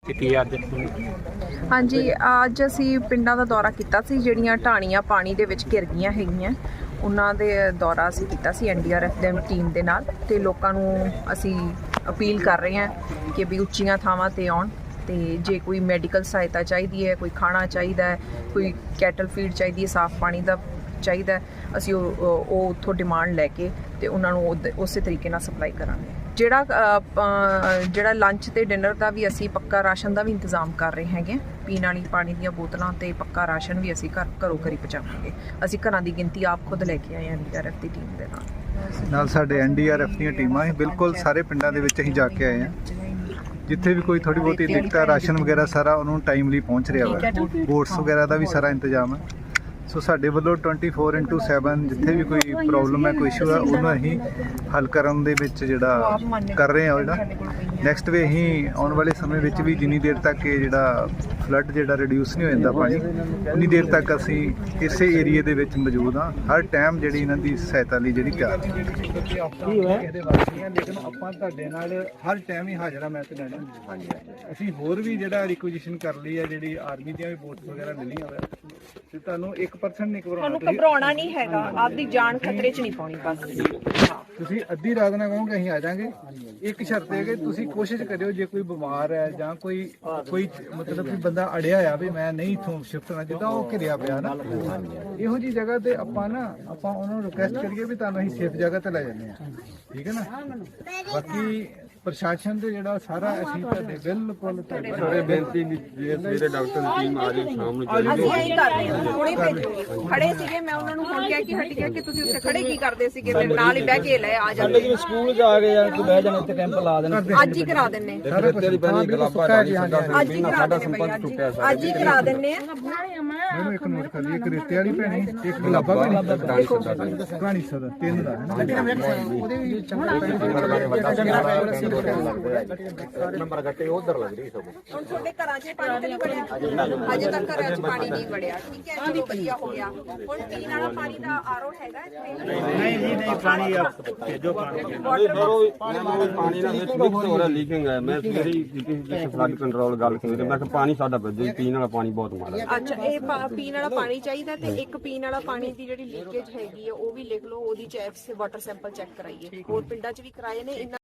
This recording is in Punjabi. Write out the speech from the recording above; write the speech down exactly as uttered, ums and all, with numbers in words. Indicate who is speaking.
Speaker 1: हाँ जी, अज असी पिंडां दा दौरा कीता सी ਜਿਹੜੀਆਂ ਢਾਣੀਆਂ ਪਾਣੀ ਦੇ ਵਿੱਚ ਘਿਰ ਗਈਆਂ ਹੈਗੀਆਂ। ਉਹਨਾਂ ਦੇ ਦੌਰਾ ਅਸੀਂ ਕੀਤਾ ਸੀ ਐਨ ਡੀ ਆਰ ਐਫ ਦੇ ਟੀਮ ਦੇ ਨਾਲ ਤੇ ਲੋਕਾਂ ਨੂੰ ਅਸੀਂ ਅਪੀਲ ਕਰ ਰਹੇ ਹਾਂ ਕਿ ਵੀ ਉੱਚੀਆਂ ਥਾਵਾਂ ਤੇ ਆਉਣ ਤੇ ਜੇ ਕੋਈ ਮੈਡੀਕਲ ਸਹਾਇਤਾ ਚਾਹੀਦੀ ਹੈ, ਕੋਈ ਖਾਣਾ ਚਾਹੀਦਾ ਹੈ, ਕੋਈ ਕੈਟਲ ਫੀਡ ਚਾਹੀਦੀ ਹੈ, ਸਾਫ਼ ਪਾਣੀ ਦਾ ਚਾਹੀਦਾ, ਅਸੀਂ ਉਹ ਉਹ ਉੱਥੋਂ ਡਿਮਾਂਡ ਲੈ ਕੇ ਤੇ ਉਹਨਾਂ ਨੂੰ ਉਸੇ ਤਰੀਕੇ ਨਾਲ ਸਪਲਾਈ ਕਰਾਂਗੇ। ਜਿਹੜਾ ਜਿਹੜਾ ਲੰਚ ਤੇ ਡਿਨਰ ਦਾ ਵੀ ਅਸੀਂ ਪੱਕਾ ਰਾਸ਼ਨ ਦਾ ਵੀ ਇੰਤਜ਼ਾਮ ਕਰ ਰਹੇ ਹੈਗੇ। ਪੀਣ ਵਾਲੀ ਪਾਣੀ ਦੀਆਂ ਬੋਤਲਾਂ ਤੇ ਪੱਕਾ ਰਾਸ਼ਨ ਵੀ ਅਸੀਂ ਘਰ ਘਰੋਂ ਘਰੀ ਪਹੁੰਚਾਵਾਂਗੇ। ਅਸੀਂ ਘਰਾਂ ਦੀ ਗਿਣਤੀ ਆਪ ਖੁਦ ਲੈ ਕੇ ਆਏ ਐਨ ਡੀ ਆਰ ਐਫ ਦੀ ਟੀਮ ਦੇ ਨਾਲ
Speaker 2: ਨਾਲ ਸਾਡੇ ਐਨ ਡੀ ਆਰ ਐਫ ਦੀਆਂ ਟੀਮਾਂ ਬਿਲਕੁਲ ਸਾਰੇ ਪਿੰਡਾਂ ਦੇ ਵਿੱਚ ਅਸੀਂ ਜਾ ਕੇ ਆਏ ਹਾਂ। ਜਿੱਥੇ ਵੀ ਕੋਈ ਥੋੜੀ ਬਹੁਤੀ ਦਿੱਕਤ ਹੈ, ਰਾਸ਼ਨ ਵਗੈਰਾ ਸਾਰਾ ਉਹਨੂੰ ਟਾਈਮਲੀ ਪਹੁੰਚ ਰਿਹਾ ਵਾ। ਬੋਟਸ ਵਗੈਰਾ ਦਾ ਵੀ ਸਾਰਾ ਇੰਤਜ਼ਾਮ ਹੈ। ਸੋ ਸਾਡੇ ਵੱਲੋਂ ਟਵੈਂਟੀ ਫੋਰ ਇੰਟੂ ਸੈਵਨ ਜਿੱਥੇ ਵੀ ਕੋਈ ਪ੍ਰੋਬਲਮ ਹੈ, ਕੋਈ ਇਸ਼ੂ ਹੈ, ਉਹਨੂੰ ਅਸੀਂ ਹੱਲ ਕਰਨ ਦੇ ਵਿੱਚ ਜਿਹੜਾ ਕਰ ਰਹੇ ਹਾਂ। ਜਿਹੜਾ ਨੈਕਸਟ ਵੇ ਅਸੀਂ ਆਉਣ ਵਾਲੇ ਸਮੇਂ ਵਿੱਚ ਵੀ ਜਿੰਨੀ ਦੇਰ ਤੱਕ ਇਹ ਜਿਹੜਾ ਫਲੱਡ ਜਿਹੜਾ ਰਿਡਿਊਸ ਨਹੀਂ ਹੋ ਜਾਂਦਾ ਪਾਣੀ, ਉਨੀ ਦੇਰ ਤੱਕ ਅਸੀਂ ਇਸੇ ਏਰੀਏ ਦੇ ਵਿੱਚ ਮੌਜੂਦ ਹਾਂ। ਹਰ ਟਾਈਮ ਜਿਹੜੀ ਇਹਨਾਂ ਦੀ ਸਹਾਇਤਾ ਲਈ ਜਿਹੜੀ ਤਿਆਰ ਹੈ। ਲੇਕਿਨ ਆਪਾਂ ਤੁਹਾਡੇ ਨਾਲ ਹਰ ਟਾਈਮ ਹੀ ਹਾਜ਼ਰ ਹਾਂ। ਮੈਂ ਤੇ ਲੈਣਾ ਅਸੀਂ ਹੋਰ ਵੀ ਜਿਹੜਾ ਰਿਕੁਜੀਸ਼ਨ ਕਰ ਲਈ ਹੈ, ਜਿਹੜੀ ਆਰਮੀ ਦੀਆਂ ਵੀ ਬੋਟਸ ਵਗੈਰਾ ਮਿਲੀਆਂ ਹੋਇਆ ਤੇ ਤੁਹਾਨੂੰ ਇੱਕ ਪਰਸੈਂਟ ਨਹੀਂ ਘਬਰਾਉਣਾ।
Speaker 1: ਤੁਹਾਨੂੰ ਘਬਰਾਉਣਾ ਨਹੀਂ ਹੈਗਾ, ਆਪਦੀ ਜਾਨ ਖਤਰੇ 'ਚ ਨਹੀਂ ਪਾਉਣੀ। ਬਸ
Speaker 2: ਤੁਸੀਂ ਅੱਧੀ ਰਾਤ ਨਾਲ ਕਹੋਗੇ ਅਸੀਂ ਆ ਜਾਾਂਗੇ। ਇੱਕ ਸ਼ਰਤ ਹੈ ਕਿ ਤੁਸੀਂ ਕੋਸ਼ਿਸ਼ ਕਰਿਓ, ਜੇ ਕੋਈ ਬਿਮਾਰ ਹੈ ਜਾਂ ਕੋਈ ਕੋਈ ਮਤਲਬ ਕਿ ਬੰਦਾ ਅੜਿਆ ਆ ਵੀ ਮੈਂ ਨਹੀਂ ਇੱਥੋਂ ਸ਼ਿਫਟ ਹੋਣਾ ਚਾਹੁੰਦਾ, ਉਹ ਘਿਰਿਆ ਪਿਆ ਨਾ, ਇਹੋ ਜਿਹੀ ਜਗ੍ਹਾ ਤੇ ਆਪਾਂ ਨਾ ਆਪਾਂ ਉਹਨਾਂ ਨੂੰ ਰਿਕੁਐਸਟ ਕਰੀਏ ਵੀ ਤੁਹਾਨੂੰ ਅਸੀਂ ਸੇਫ ਜਗ੍ਹਾ ਤੇ ਲੈ ਜਾਂਦੇ ਹਾਂ। ਠੀਕ ਹੈ ਨਾ। ਬਾਕੀ ਪ੍ਰਸ਼ਾਸਨ ਤੇ ਜਿਹੜਾ ਸਾਰਾ ਅਸੀਂ ਤੁਹਾਡੇ ਬਿਲਕੁਲ ਤੁਹਾਡੇ
Speaker 3: ਬੇਨਤੀ ਵੀ ਜੇ ਸਵੇਰੇ ਡਾਕਟਰ ਦੀ ਟੀਮ ਆ ਜਾਏ ਸ਼ਾਮ ਨੂੰ ਚੱਲ
Speaker 1: ਅਸੀਂ ਇਹੀ ਕਰ ਰਹੇ ਹਾਂ। ਹੁਣੇ ਭੇਜੋ। ਖੜੇ ਸੀਗੇ, ਮੈਂ ਉਹਨਾਂ ਨੂੰ ਹੁਣ ਕਿਹਾ ਕਿ ਹਟ ਗਿਆ ਕਿ ਤੁਸੀਂ ਉੱਥੇ ਖੜੇ ਕੀ ਕਰਦੇ ਸੀਗੇ, ਮੇਰੇ ਨਾਲ ਹੀ ਬਹਿ ਕੇ ਲੈ ਆ ਜਾਂਦੇ।
Speaker 3: ਜਿਵੇਂ ਸਕੂਲ ਜਾ ਕੇ ਯਾਰ ਕੋਈ ਬਹਿ ਜਾਣਾ, ਇੱਥੇ ਕੈਂਪ ਲਾ ਦੇਣਾ।
Speaker 1: ਅੱਜ ਹੀ ਕਰਾ ਦਿੰਨੇ
Speaker 3: ਤੇਰੀ ਬਣੀ ਗਲਾਬਾ
Speaker 1: ਅੱਜ ਹੀ ਕਰਾ ਦਿੰਨੇ ਅੱਜ ਹੀ ਕਰਾ ਦਿੰਨੇ ਆ।
Speaker 2: ਮੈਨੂੰ ਇੱਕ ਨੋਟ ਕਰ ਲਈ, ਇੱਕ ਰੇਤੇ ਵਾਲੀ ਭੈਣੀ, ਇੱਕ ਗੁਲਾਬਾ ਭੈਣੀ, ਕਹਾਣੀ ਸਦਾ ਤਿੰਨ ਦਾ ਹੈ ਨਾ। ਉਹਦੇ ਵੀ
Speaker 3: ਨੰਬਰ ਗੱਟੇ ਉਧਰ ਲੱਗ ਰਹੀ ਸਭ।
Speaker 1: ਹੁਣ ਤੁਹਾਡੇ ਘਰਾਂ 'ਚ ਪਾਣੀ ਨਹੀਂ ਵੜਿਆ, ਅਜੇ ਤੱਕ ਘਰਾਂ 'ਚ ਪਾਣੀ ਨਹੀਂ ਵੜਿਆ। ਠੀਕ ਹੈ, ਚਲੋ ਵਧੀਆ ਹੋ ਗਿਆ। ਹੁਣ ਪੀਣ ਵਾਲਾ ਪਾਣੀ ਦਾ ਆਰਓ ਹੈਗਾ ਇੱਥੇ?
Speaker 4: ਨਹੀਂ ਜੀ ਨਹੀਂ, ਪਾਣੀ ਭੇਜੋ ਪਾਣੀ।
Speaker 3: ਪਾਣੀ ਨਾਲ ਮਿਕਸ ਹੋ ਰਿਹਾ, ਲੀਕਿੰਗ ਹੈ। ਮੈਂ ਸਵੇਰੇ ਹੀ ਫਲੱਡ ਕੰਟਰੋਲ ਗੱਲ ਕੀਤੀ, ਮੈਂ ਕਿਹਾ ਪਾਣੀ ਸਾਡਾ ਭੇਜੋ, ਪੀਣ ਵਾਲਾ ਪਾਣੀ ਬਹੁਤ ਮਾੜਾ।
Speaker 1: ਅੱਛਾ, ਇਹ ਪੀਣ ਵਾਲਾ ਪਾਣੀ ਚਾਹੀਦਾ ਤੇ ਇੱਕ ਪੀਣ ਵਾਲਾ ਪਾਣੀ ਦੀ ਜਿਹੜੀ ਲੀਕੇਜ ਹੈਗੀ ਹੈ ਉਹ ਵੀ ਲਿਖ ਲਓ, ਉਹਦੀ ਚੈਕ ਵਾਟਰ ਸੈਂਪਲ ਚੈੱਕ ਕਰਾਈਏ। ਹੋਰ ਪਿੰਡਾਂ 'ਚ ਵੀ ਕਰਾਏ ਨੇ।